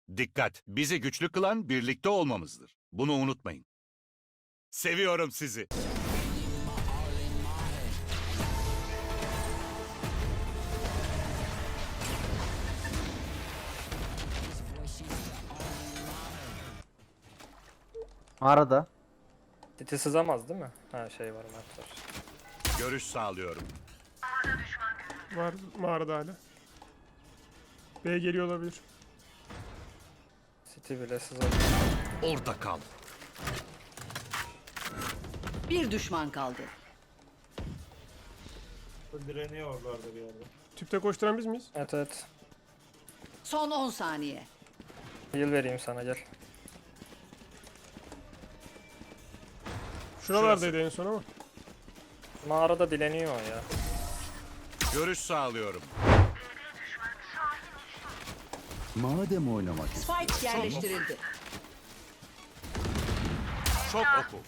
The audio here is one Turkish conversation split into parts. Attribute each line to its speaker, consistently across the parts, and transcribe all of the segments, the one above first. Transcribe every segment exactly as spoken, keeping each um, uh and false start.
Speaker 1: Dikkat! Bizi güçlü kılan birlikte olmamızdır. Bunu unutmayın. Seviyorum sizi.
Speaker 2: Mağarada.
Speaker 3: Titi sızamaz değil mi? Ha şey var, mat var.
Speaker 1: Görüş sağlıyorum.
Speaker 4: Var mağarada hala. B geliyor olabilir.
Speaker 3: City bile sızar.
Speaker 1: Orada kal.
Speaker 5: Bir düşman kaldı.
Speaker 6: Direniyor oralarda bir yerde.
Speaker 4: Tüpte koşturan biz miyiz?
Speaker 3: Evet evet.
Speaker 5: Son on saniye.
Speaker 3: Heal vereyim sana, gel.
Speaker 4: Şuralardaydı en son ama.
Speaker 3: Mağarada dileniyor o ya.
Speaker 1: Görüş sağlıyorum.
Speaker 7: Madem oynamak istiyorsun.
Speaker 5: Spike yerleştirildi.
Speaker 1: Çok oku.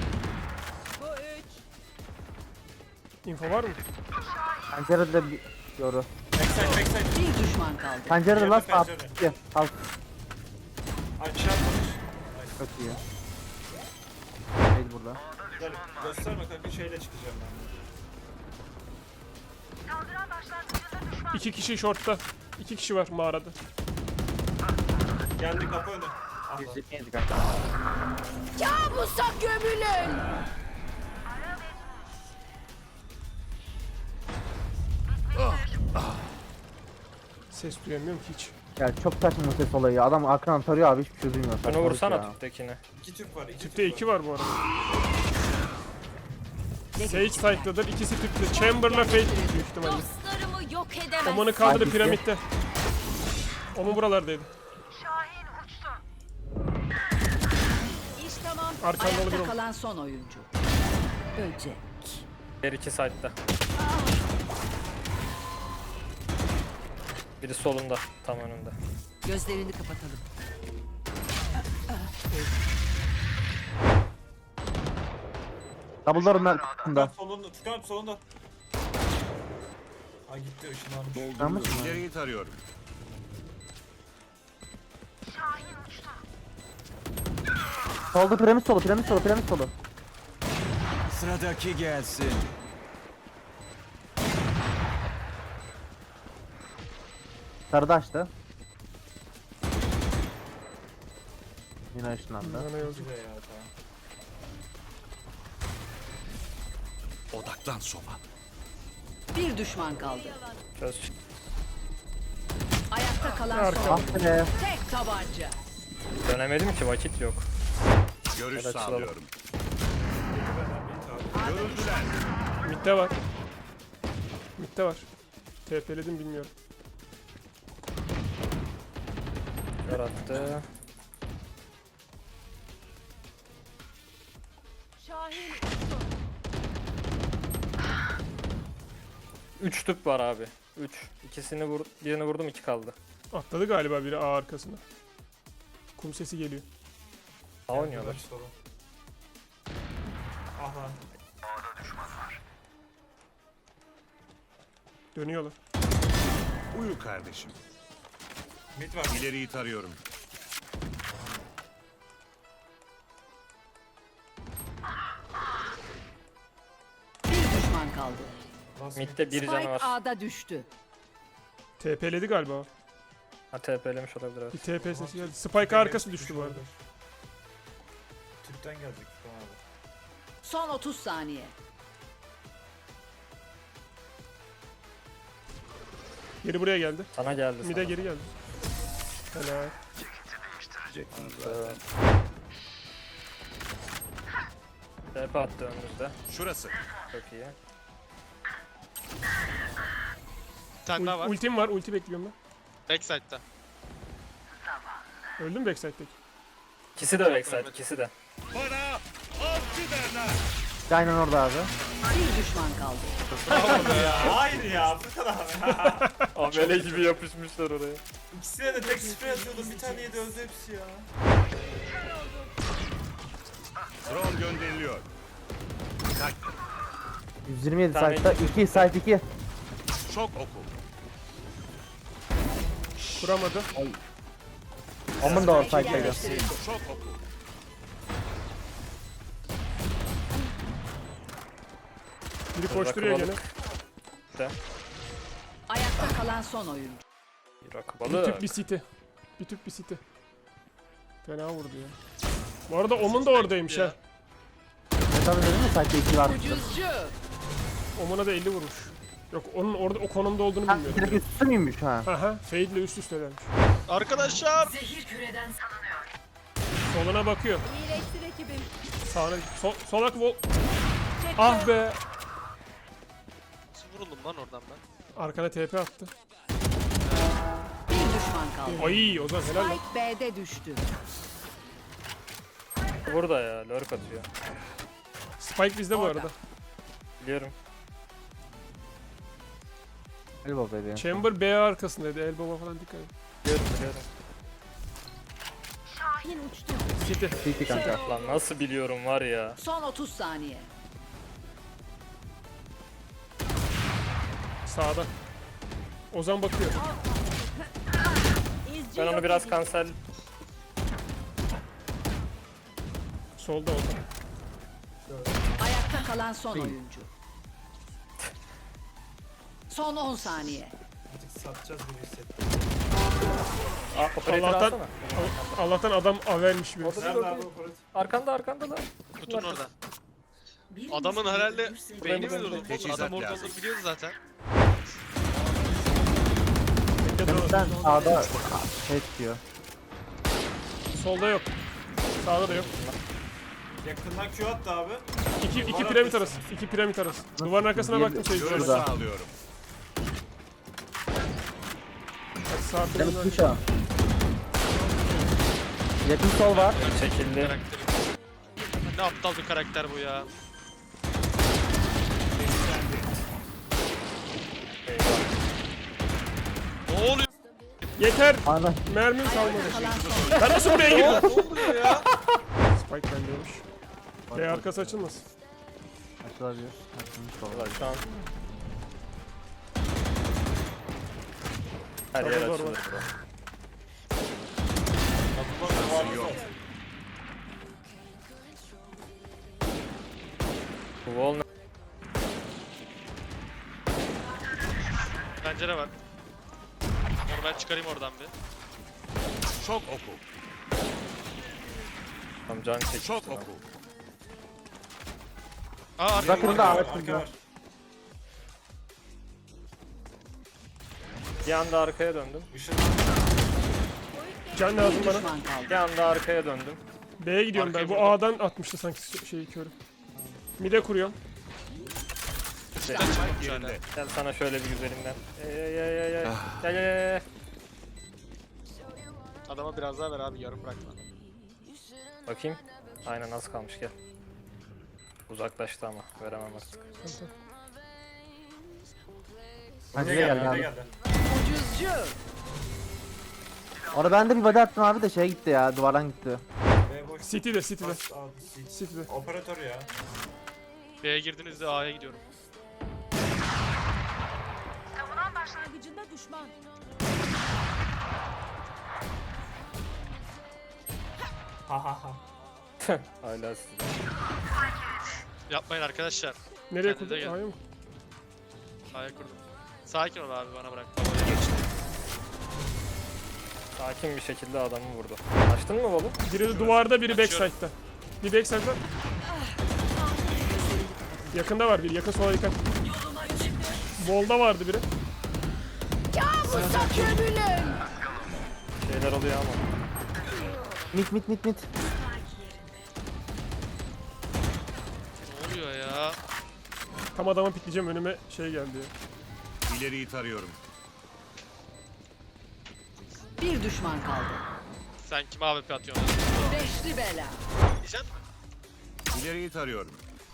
Speaker 4: Info var mı?
Speaker 2: Pencerede bir yoru.
Speaker 6: Backside backside.
Speaker 5: Bir düşman kaldı.
Speaker 2: Pencerede last
Speaker 6: Pencere,
Speaker 2: up.
Speaker 6: pencere.
Speaker 2: İki. Alt.
Speaker 6: Aşağı atlamış.
Speaker 2: Çok iyi. Değil burada.
Speaker 6: Güzel. Gösterme kanka, şeyle çıkacağım ben.
Speaker 4: İki kişi shortta. İki kişi var mağarada.
Speaker 6: Geldi kapı önü. Ah lan.
Speaker 2: yüz yirmi yedi kanka.
Speaker 5: Kabusa gömülün.
Speaker 4: Ses duyamıyorum ki hiç.
Speaker 2: Ya çok saçma ses olayı ya. Adam akran tarıyor abi, hiçbir şey duymuyor.
Speaker 3: Bunu
Speaker 2: Saçmalık
Speaker 3: vursana
Speaker 2: ya.
Speaker 3: tüptekine.
Speaker 6: İki tüp var. iki
Speaker 4: Tüpte
Speaker 6: tüp
Speaker 4: iki
Speaker 6: var.
Speaker 4: var bu arada. Sage site'dadır. İkisi tüpte. Chamber'la Fate büyük ihtimalle.
Speaker 8: Dostlarımı yok edemezsin.
Speaker 4: Oman'ı kaldırdı
Speaker 2: Hangisi?
Speaker 4: piramitte. Oman buralardaydı.
Speaker 5: İş tamam.
Speaker 4: Arkanda olabilir
Speaker 5: Ayakta
Speaker 4: oğlum.
Speaker 5: kalan son oyuncu. Böcek.
Speaker 3: Her iki side'da. Biri solunda, tam önünde.
Speaker 5: Gözlerini kapatalım.
Speaker 2: Double'ların
Speaker 6: Furkan
Speaker 2: arkasında.
Speaker 6: solunda. Furkan solunda. Ay gitti, ışınlanmış.
Speaker 2: Yanlış mı?
Speaker 1: İleriyi tarıyorum.
Speaker 2: Solda piramit solu, piramit solu, piramit solu.
Speaker 7: Sıradaki gelsin.
Speaker 2: Sarıda açtı. Yine ışınlandı.
Speaker 4: Bana yolcu.
Speaker 6: Güzel ya, tamam.
Speaker 1: Odaklan soba.
Speaker 5: Bir düşman kaldı.
Speaker 3: Çöz.
Speaker 5: Ayakta kalan
Speaker 4: Arka.
Speaker 5: son.
Speaker 2: Ah be.
Speaker 5: Tek tabanca.
Speaker 3: Dönemedim ki, vakit yok.
Speaker 1: Görüş
Speaker 3: Evet,
Speaker 1: sağlıyorum.
Speaker 6: Benden bir tabi.
Speaker 1: Görüldüler.
Speaker 4: Mid'de var. Mid'de var. T P'ledim bilmiyorum.
Speaker 3: Kör attı.
Speaker 8: Şahin
Speaker 3: Üç tüp var abi. Üç. İkisini vur, birini vurdum, iki kaldı.
Speaker 4: Atladı galiba biri A arkasına. Kum sesi geliyor.
Speaker 3: A oynuyorlar.
Speaker 6: Soru. Ah lan.
Speaker 4: Dönüyorlar.
Speaker 1: Uyu kardeşim.
Speaker 6: Mid var.
Speaker 1: İleriyi tarıyorum.
Speaker 5: Bir düşman kaldı.
Speaker 6: Last mid.
Speaker 3: Mid'de bir canı
Speaker 5: Spike
Speaker 3: var.
Speaker 5: A'da düştü.
Speaker 4: T P'ledi galiba o.
Speaker 3: Ha T P'lemiş olabilir, evet.
Speaker 4: Bir T P sesi geldi. Spike arkası düştü bu arada.
Speaker 6: Tüpten gelecek Furkan abi.
Speaker 5: Son otuz saniye.
Speaker 4: Geri buraya geldi.
Speaker 3: Sana geldi
Speaker 4: Mid'e
Speaker 3: sana.
Speaker 4: geri geldi. Helal.
Speaker 3: Evet. T P attı önümüzde.
Speaker 1: Şurası.
Speaker 3: Çok iyi.
Speaker 9: Bir tane daha
Speaker 4: Ul-
Speaker 9: var.
Speaker 4: ultim var. Ulti bekliyorum
Speaker 9: Backside'da.
Speaker 4: ben. Öldü mü backside'deki?
Speaker 3: İkisi de backside, ikisi de.
Speaker 1: Bana avcı derler.
Speaker 2: Aynen orada abi.
Speaker 5: Bir düşman kaldı.
Speaker 6: Hayır ya Furkan abi.
Speaker 3: Amele gibi yapışmışlar oraya.
Speaker 6: İkisine de tek sprey atıyordum. Bir tane yedi, öldü hepsi ya.
Speaker 1: Drone gönderiliyor. Dikkat.
Speaker 2: yüz yirmi yedi
Speaker 3: Tane
Speaker 2: site'da. iki site iki.
Speaker 1: Çok oku.
Speaker 4: Kuramadı.
Speaker 2: Omun da var side'daydı.
Speaker 1: Çok oku.
Speaker 4: Biri koşturuyor gene.
Speaker 5: Ayakta kalan son oyuncu.
Speaker 3: Rakı
Speaker 4: Bir
Speaker 3: balığı.
Speaker 4: tüp bir city. Bir tüp bir city. Fena vurdu ya. Bu arada Omun da oradaymış ha.
Speaker 2: Ne tabii dedim mi side'da iki var.
Speaker 5: Ucuzcu.
Speaker 4: Omun'a da elli vurmuş. Yok onun orada o konumda olduğunu
Speaker 2: Ha,
Speaker 4: bilmiyordum.
Speaker 2: direkt üstü müymüş ha?
Speaker 4: Aha, Fade ile üst üstelermiş.
Speaker 9: Arkadaşlar.
Speaker 5: Zehir küreden salınıyor.
Speaker 4: Soluna bakıyor.
Speaker 8: İyileştir ekibim.
Speaker 4: Sağına sol, solak vol. Ah be.
Speaker 9: Nasıl vuruldum lan oradan ben?
Speaker 4: Arkana T P attı.
Speaker 5: Bir düşman kaldı.
Speaker 4: Ay Ozan helal lan.
Speaker 5: Spike B'de düştü.
Speaker 3: Burada ya. Lurk atıyor.
Speaker 4: Spike bizde bu arada.
Speaker 3: Biliyorum.
Speaker 2: Elbow dedi.
Speaker 4: Chamber B arkasındaydı. Elbow'a falan dikkat et.
Speaker 3: Biliyorum biliyorum.
Speaker 8: Şahin uçtu.
Speaker 4: City.
Speaker 2: City kanka.
Speaker 3: Lan nasıl biliyorum var ya.
Speaker 5: Son otuz saniye.
Speaker 4: Sağda. Ozan bakıyor.
Speaker 8: İzci
Speaker 3: Ben onu
Speaker 8: yok
Speaker 3: biraz
Speaker 8: edin.
Speaker 3: kanser...
Speaker 4: Solda Ozan.
Speaker 5: Ayakta kalan son oyuncu. Son on saniye.
Speaker 6: Artık satacağız gibi hissettim.
Speaker 3: Ah, operatör
Speaker 4: Allah'tan,
Speaker 3: alsana.
Speaker 4: Allah'tan adam avermiş bir.
Speaker 3: Orada bir
Speaker 6: Nerede
Speaker 3: orada.
Speaker 6: abi o parat?
Speaker 3: Arkanda arkanda lan.
Speaker 9: Kutunun orada. Adamın herhalde beyni mi
Speaker 3: ben-
Speaker 9: durdu?
Speaker 1: Teçhizat
Speaker 9: Adam orada
Speaker 1: lazım.
Speaker 9: olduğunu biliyordu zaten.
Speaker 2: Sen sağda şey diyor.
Speaker 4: Solda yok. Sağda da yok.
Speaker 6: Yakından Q attı abi.
Speaker 4: İki, iki piramit arası. İki piramit arası. Duvarın arkasına baktım şey.
Speaker 1: Görüş
Speaker 2: Şurada.
Speaker 1: sağlıyorum.
Speaker 4: Sağ
Speaker 2: Demek
Speaker 4: piramit
Speaker 2: kuş ha. Yakın sol var.
Speaker 3: Çekildi.
Speaker 9: Karakteri. Ne aptal bir karakter bu ya. Ne oluyor?
Speaker 4: Yeter.
Speaker 2: Ana.
Speaker 4: Mermim kalmadı.
Speaker 5: Kalan son
Speaker 4: Ben nasıl buraya girdim?
Speaker 9: Ne oluyor ya?
Speaker 4: Spike bendeymiş. B arkası açılmasın.
Speaker 2: Açılabilir. Açılmış sol.
Speaker 3: Ulan şu an... Her yer
Speaker 4: Doğru, doğru.
Speaker 3: açılır bro. Bu wall ne?
Speaker 9: Pencere var. Onu ben çıkarayım oradan bir.
Speaker 1: Çok oku.
Speaker 3: Tam can çekti.
Speaker 1: Çok oku.
Speaker 9: Aa arka.
Speaker 2: Bakın da
Speaker 6: Arka
Speaker 2: ağaç
Speaker 6: var, arka
Speaker 2: burada.
Speaker 6: var.
Speaker 3: Bir anda arkaya döndüm.
Speaker 6: Işın.
Speaker 4: Can lazım
Speaker 5: bir
Speaker 4: bana.
Speaker 5: düşman kaldı.
Speaker 3: Bir anda arkaya döndüm.
Speaker 4: B'ye gidiyorum ben.
Speaker 9: Arkaya
Speaker 4: Bu
Speaker 9: vurdum.
Speaker 4: A'dan atmıştı sanki şeyi körü. Mide kuruyorum.
Speaker 1: Yerinde.
Speaker 3: Gel sana şöyle bir güzelinden. Ey ey ey ey ey. Gel gel gel.
Speaker 9: Adama biraz daha ver abi, yarım bırakma.
Speaker 3: Bakayım. Aynen az kalmış gel. Uzaklaştı ama veremem artık.
Speaker 2: Hadi
Speaker 6: Buraya
Speaker 2: gel
Speaker 6: geldi,
Speaker 2: gel.
Speaker 6: buraya geldi.
Speaker 5: Ucuzcu.
Speaker 2: Orada ben de bir body attım abi de şey gitti ya. Duvardan gitti.
Speaker 6: B boş.
Speaker 4: City'de, City'de.
Speaker 6: Bas, al, sil.
Speaker 4: City'de.
Speaker 6: Operatör ya.
Speaker 9: B'ye girdiğinizde A'ya gidiyorum.
Speaker 8: Başlangıcında düşman.
Speaker 6: Ha ha ha.
Speaker 3: Hala siz.
Speaker 9: Yapmayın arkadaşlar.
Speaker 4: Nereye
Speaker 9: Kendinize
Speaker 4: kurdun?
Speaker 9: gelin.
Speaker 4: A'ya mı?
Speaker 9: A'ya kurdum. Sakin ol abi, bana bırak.
Speaker 3: Sakin bir şekilde adamı vurdu. Açtın mı bolu?
Speaker 4: Biri de duvarda, biri
Speaker 9: Açıyorum.
Speaker 4: backside'da. Bir backside'da. Yakında var biri. Yakın sola yakın. Bolda vardı biri.
Speaker 3: Şeyler oluyor ama.
Speaker 2: Mit mit mit mit.
Speaker 9: Ne oluyor ya?
Speaker 4: Tam adamı pikleyeceğim, önüme şey geldi ya.
Speaker 1: İleriyi tarıyorum.
Speaker 5: Bir düşman kaldı.
Speaker 9: Sen kime A W P atıyorsun?
Speaker 5: Beşli bela.
Speaker 9: Diyeceksin mi?
Speaker 1: İleriyi tarıyorum.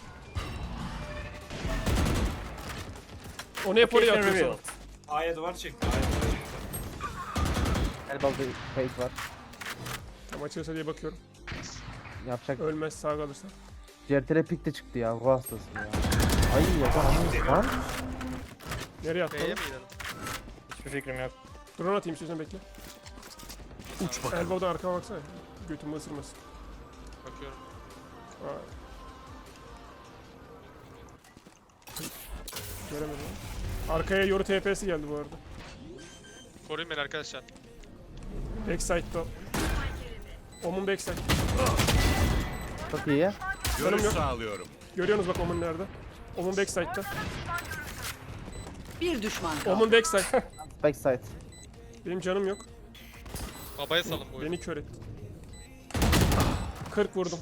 Speaker 4: Onu hep oraya
Speaker 3: Location
Speaker 4: atıyor
Speaker 3: revealed.
Speaker 4: sonra.
Speaker 6: A'ya duvar çekti. A'ya duvar çekti.
Speaker 2: Elbow'da fake var.
Speaker 4: Tam açılırsa diye bakıyorum.
Speaker 2: Yapacak.
Speaker 4: Ölmez, sağ kalırsa.
Speaker 2: Certere pik de çıktı ya. Ruh hastası ya. Ay yapamamış lan.
Speaker 4: Nereye attı?
Speaker 9: B'ye
Speaker 4: oğlum?
Speaker 9: mi gidelim?
Speaker 3: Hiçbir fikrim yok.
Speaker 4: Drone atayım istiyorsan bekle.
Speaker 1: Uç bakalım.
Speaker 4: Elbow'dan arkama baksana. Götümü ısırmasın.
Speaker 9: Bakıyorum.
Speaker 4: Aa. Göremedim. Arkaya yoru T P'si geldi bu arada.
Speaker 9: Koruyun beni arkadaşlar.
Speaker 4: Backside'da. Omun backside.
Speaker 2: Çok iyi.
Speaker 1: Görüş
Speaker 4: yok.
Speaker 1: sağlıyorum.
Speaker 4: Görüyorsunuz bak Omun nerede? Omun backside'da.
Speaker 5: Bir düşman kaldı.
Speaker 4: Omun backside.
Speaker 2: Backside.
Speaker 4: Benim canım yok.
Speaker 9: Babaya salın bu oyunu.
Speaker 4: Beni kör etti. kırk vurdum.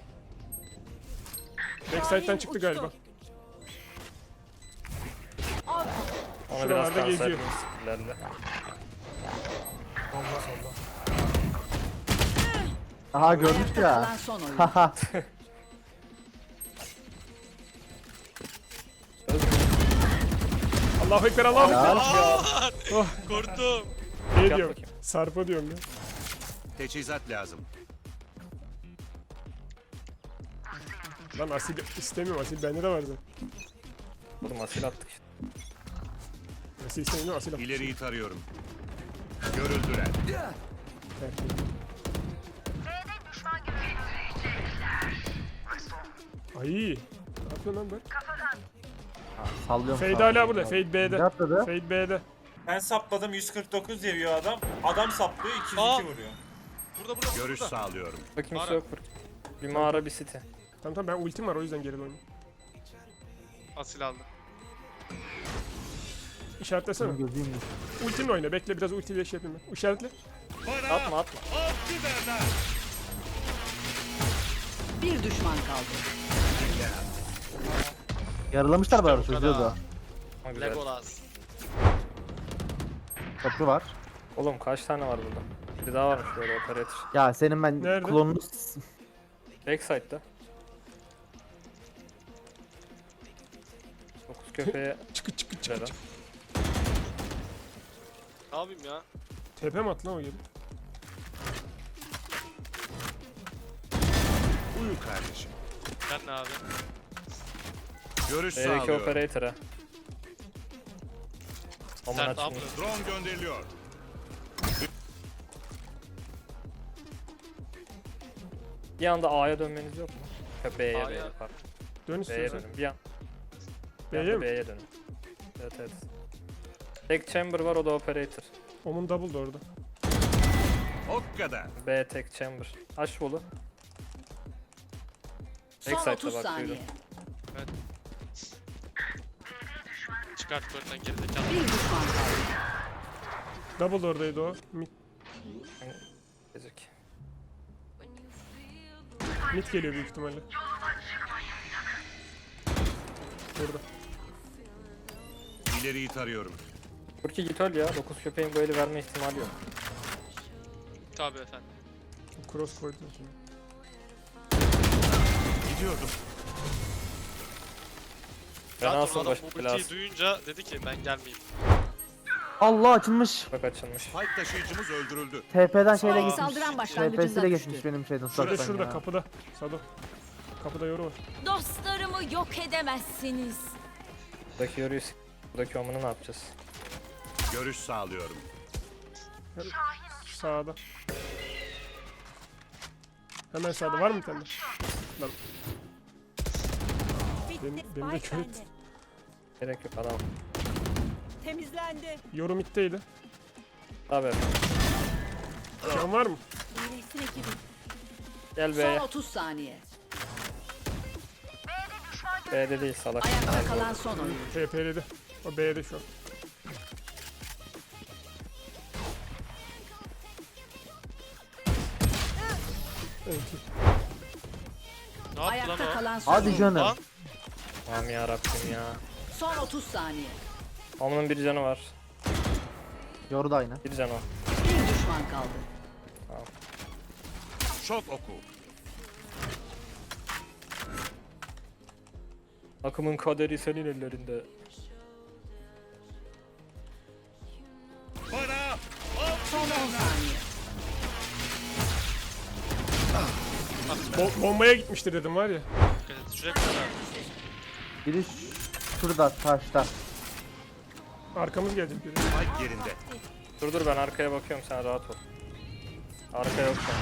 Speaker 4: Backside'den çıktı galiba.
Speaker 3: Onu biraz
Speaker 4: Şuralarda
Speaker 3: kanser
Speaker 4: geziyor.
Speaker 3: edeyim skill'lerle.
Speaker 6: Bomba solda.
Speaker 2: Aha görmüş
Speaker 5: Ayakta
Speaker 2: ya.
Speaker 5: kalan son oyun.
Speaker 2: Haha.
Speaker 4: Allahu ekber, Allahu ekber.
Speaker 2: Helal.
Speaker 4: Oh,
Speaker 9: Korktum.
Speaker 4: ne
Speaker 3: Yap
Speaker 4: diyorum?
Speaker 3: bakayım.
Speaker 4: Sarpa diyorum ya.
Speaker 1: Teçhizat lazım.
Speaker 4: Lan asil istemiyorum, asil bende de var zaten.
Speaker 3: Oğlum asil attık işte.
Speaker 4: Asil istemiyorum, asil at.
Speaker 1: İleriyi tarıyorum. Görüldüler.
Speaker 4: Ay. Ne yapıyorsun lan ben?
Speaker 2: Sallıyorum.
Speaker 4: Fade
Speaker 2: sallıyorum.
Speaker 4: hala burada. Fade B'de.
Speaker 2: Ne atladı?
Speaker 4: Fade B'de.
Speaker 6: Ben sapladım yüz kırk dokuz diyor adam. Adam saplıyor iki yüz iki
Speaker 9: Aa!
Speaker 6: vuruyor.
Speaker 9: Burada burada.
Speaker 1: Görüş
Speaker 9: burada.
Speaker 1: sağlıyorum.
Speaker 3: Bakayım
Speaker 9: Mağara.
Speaker 3: su yok burada. Bir mağara bir city.
Speaker 4: Tamam tamam ben ultim var o yüzden geri döndüm.
Speaker 9: Asil aldı.
Speaker 4: İşaretlesene.
Speaker 2: Gözüm yok.
Speaker 4: Ultimle oyna. Bekle biraz ultiyle şey yapayım ben. İşaretle.
Speaker 3: Atma atma.
Speaker 5: Bir düşman kaldı.
Speaker 2: Yaralamışlar bari
Speaker 9: bu
Speaker 2: çocuğu
Speaker 9: kadar.
Speaker 2: da.
Speaker 3: Ha, güzel.
Speaker 9: Legolas.
Speaker 2: Köprü var.
Speaker 3: Oğlum kaç tane var burada? Bir daha varmış böyle operator.
Speaker 2: Ya senin ben
Speaker 4: Nerede?
Speaker 2: klonunu...
Speaker 3: Backside'da. Dokuz köpeğe
Speaker 4: Çıkı çıkı çıkı
Speaker 3: Neden?
Speaker 4: çıkı.
Speaker 9: Ne yapayım ya?
Speaker 4: Tepe mi attı lan o geri?
Speaker 1: Uyu kardeşim.
Speaker 9: Ben ne abi?
Speaker 1: Görüş
Speaker 3: B'deki
Speaker 1: sağlıyorum.
Speaker 3: operator'a. Aman
Speaker 9: Sert
Speaker 3: açmış.
Speaker 9: abla.
Speaker 1: Drone gönderiliyor.
Speaker 3: Bir anda A'ya dönmeniz yok mu? Ha, B'ye
Speaker 9: A'ya.
Speaker 3: B'ye pardon.
Speaker 4: Dön
Speaker 3: B'ye
Speaker 4: istiyorsan.
Speaker 3: dönün. Bir an. Bir
Speaker 4: B'ye
Speaker 3: anda
Speaker 4: mi?
Speaker 3: B'ye dönün. Evet evet. Tek chamber var o da operator.
Speaker 4: Omun double da orada.
Speaker 1: O kadar.
Speaker 3: B tek chamber. Aç bolu.
Speaker 5: Son
Speaker 3: Backside'da
Speaker 5: otuz
Speaker 3: bak,
Speaker 5: saniye.
Speaker 3: duydum.
Speaker 9: Çıkart körten gerizekalı.
Speaker 5: Bir düşman kaldı.
Speaker 4: Double da oradaydı o. Mid,
Speaker 3: Ezik.
Speaker 4: mid geliyor büyük ihtimalle. Burada.
Speaker 1: İleriyi tarıyorum.
Speaker 3: Burki git öl ya. Dokuz köpeğin bu eli verme ihtimali yok.
Speaker 9: Tabii efendim.
Speaker 4: Cross koydum şimdi.
Speaker 1: Gidiyordum.
Speaker 3: Ben
Speaker 9: Zaten
Speaker 3: alsın
Speaker 9: adam
Speaker 3: baş
Speaker 9: bu ultiyi
Speaker 3: belası.
Speaker 9: duyunca dedi ki ben gelmeyeyim.
Speaker 2: Allah açılmış.
Speaker 3: Bak açılmış.
Speaker 1: Spike taşıyıcımız öldürüldü.
Speaker 2: T P'den şeyle
Speaker 5: Spike
Speaker 2: gitmiş.
Speaker 5: saldıran
Speaker 2: T
Speaker 5: başlangıcında
Speaker 2: P'siyle
Speaker 5: düştü.
Speaker 2: geçmiş benim şeyden.
Speaker 4: Şurada
Speaker 2: uzaktan
Speaker 4: şurada
Speaker 2: ya.
Speaker 4: kapıda. Sado. Kapıda yoru var.
Speaker 8: Dostlarımı yok edemezsiniz.
Speaker 3: Buradaki yoruyu s- Buradaki omunu ne yapacağız?
Speaker 1: Görüş sağlıyorum.
Speaker 4: Şu sağda. Hemen sağda var mı bir tane? Lan
Speaker 8: Bitti.
Speaker 4: Benim- benim de
Speaker 8: Spike
Speaker 4: kör
Speaker 8: bende.
Speaker 4: etti.
Speaker 3: Gerek yok adam.
Speaker 8: Temizlendi.
Speaker 4: yoru middeydi.
Speaker 3: Tabii.
Speaker 4: Can var mı?
Speaker 8: İyileşsin ekibim.
Speaker 3: Gel
Speaker 5: Son
Speaker 3: B'ye.
Speaker 5: otuz saniye.
Speaker 3: B'de değil salak.
Speaker 5: Ayakta kalan son oyun.
Speaker 4: T P'ledi. O B'de şu an. Evet.
Speaker 9: Ne yaptı lan
Speaker 5: Ayakta
Speaker 9: o?
Speaker 5: kalan son
Speaker 2: Hadi
Speaker 5: oyun.
Speaker 2: canım.
Speaker 9: Lan
Speaker 3: Aman yarabbim ya.
Speaker 5: Son otuz saniye.
Speaker 3: Omunun bir canı var.
Speaker 2: Yoru da aynı.
Speaker 3: Bir canı o.
Speaker 5: Bir düşman kaldı.
Speaker 1: Şok oku.
Speaker 3: Akımın kaderi senin ellerinde.
Speaker 1: Bana
Speaker 5: Son on saniye.
Speaker 4: Bo- bombaya gitmiştir dedim var ya.
Speaker 9: dikkat et. Şuraya bir tane daha.
Speaker 2: Biri şurada taşta.
Speaker 4: Arkamız gelecek biri.
Speaker 1: Spike yerinde.
Speaker 3: Dur dur ben arkaya bakıyorum sen rahat ol. Arka yok şu an.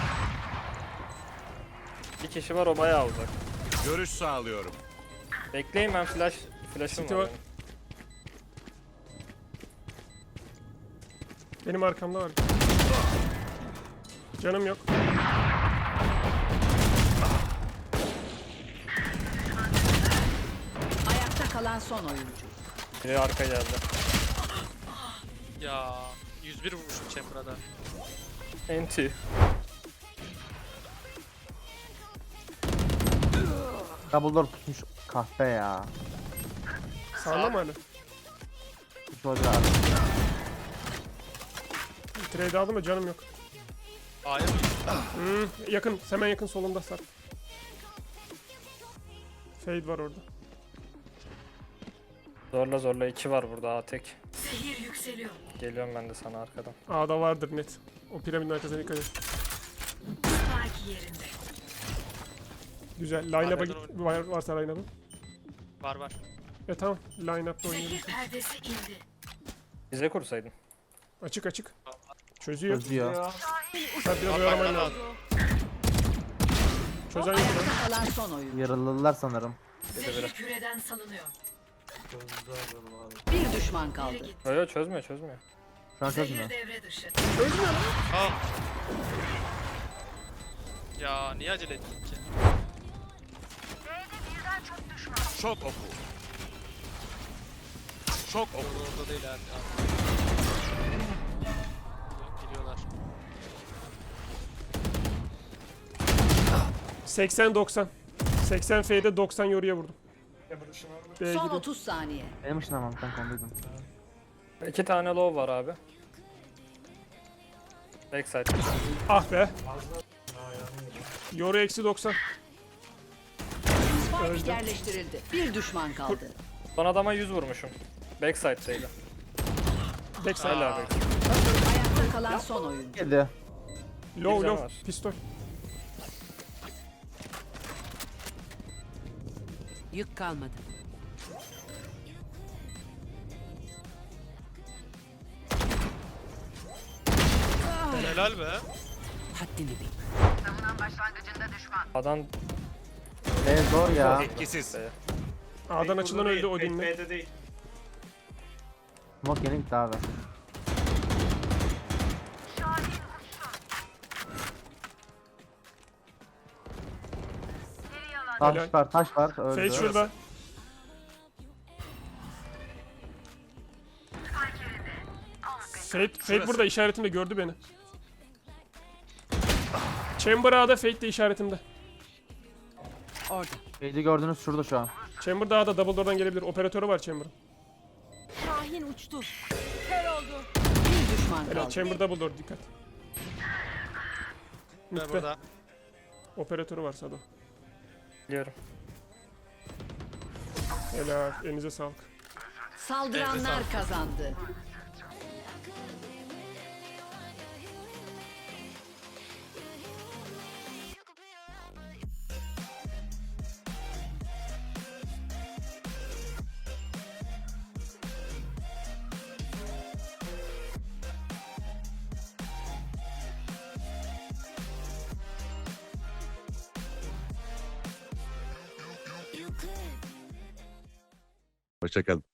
Speaker 3: Bir kişi var, o bayağı uzak.
Speaker 1: Görüş sağlıyorum.
Speaker 3: Bekleyin, ben flash flash'ım
Speaker 4: City
Speaker 3: var.
Speaker 4: var.
Speaker 3: benim.
Speaker 4: Benim arkamda var. Canım yok.
Speaker 5: Ayakta kalan son oyuncu.
Speaker 3: Biri arka geldi.
Speaker 9: Ya yüz bir vurmuşum Chamber'a da.
Speaker 3: Enti.
Speaker 2: Double door tutmuş kahpe ya.
Speaker 4: Sağında mı hala?
Speaker 2: Hiç olacak abi.
Speaker 4: Trade aldım da canım yok.
Speaker 9: A'ya mı?
Speaker 4: Hmm, yakın, hemen yakın solunda Sarp. Fade var orada.
Speaker 3: Zorla zorla iki var burada, A tek. Geliyorum ben de sana arkadan.
Speaker 4: A'da vardır net. O piramidin arkasına dikkat et. Güzel. Line-up'a git.
Speaker 9: Arkadan
Speaker 4: Var, varsa line-up'ı.
Speaker 9: Var var.
Speaker 4: E tamam. Line-up'ta oynayalım.
Speaker 3: Bize kursaydın.
Speaker 4: Açık açık. Çözüyor.
Speaker 2: Çözüyor.
Speaker 4: Sarp biraz
Speaker 9: Bak,
Speaker 4: oyalaman
Speaker 9: bak,
Speaker 4: lazım. Çözen yok lan.
Speaker 5: Ayakta kalan son oyuncu.
Speaker 2: Yarılılar sanırım.
Speaker 3: Dedi biri.
Speaker 5: Bir düşman kaldı.
Speaker 3: Yo yo, çözmüyor çözmüyor.
Speaker 2: Şu an çözmüyor.
Speaker 9: Al. Ya niye acele ettin ki?
Speaker 1: Şok oku. Şok oku.
Speaker 9: Orada, orada değil abi. Geliyorlar.
Speaker 4: seksen doksan. seksen F'de doksan yoruya vurdum. B'ye
Speaker 5: Son
Speaker 4: gidin.
Speaker 5: otuz saniye.
Speaker 2: Benim ışınlamam ben konduydum.
Speaker 3: İki tane low var abi. Backside.
Speaker 4: Ah be. Yoru eksi doksan.
Speaker 5: Spike yerleştirildi. Bir düşman kaldı.
Speaker 3: Son adama yüz vurmuşum. Backside'deydi.
Speaker 4: Backside.
Speaker 3: Hala backside.
Speaker 5: Ayakta kalan son oyuncu.
Speaker 2: Geldi.
Speaker 4: Low
Speaker 3: Bir
Speaker 4: low.
Speaker 3: var.
Speaker 4: Pistol.
Speaker 5: Yük kalmadı.
Speaker 9: Helal be.
Speaker 5: Haddini bil.
Speaker 3: Adam
Speaker 2: E zor ya.
Speaker 1: Etkisiz.
Speaker 4: A'dan açılan öldü Odin'le.
Speaker 6: B'de değil.
Speaker 2: Smoke yeni gitti abi.
Speaker 4: Helal.
Speaker 2: Taş var, taş var. Öldü.
Speaker 4: Fade şurada. Fade, Fade burada işaretimde gördü beni. Chamber A'da, Fade de işaretimde.
Speaker 5: Orada.
Speaker 2: Fade'i gördünüz şurada şu an.
Speaker 4: Chamber da A'da, double door'dan gelebilir. Operatörü var Chamber'ın.
Speaker 8: Şahin uçtu. Kör oldu.
Speaker 5: Bir düşman
Speaker 4: Helal,
Speaker 5: kaldı.
Speaker 4: Chamber double door dikkat.
Speaker 9: Ben
Speaker 4: Mitte.
Speaker 9: burada.
Speaker 4: Operatörü var Sado.
Speaker 3: biliyorum.
Speaker 4: Helal, elinize sağlık.
Speaker 5: Saldıranlar kazandı.
Speaker 1: Hoşçakalın.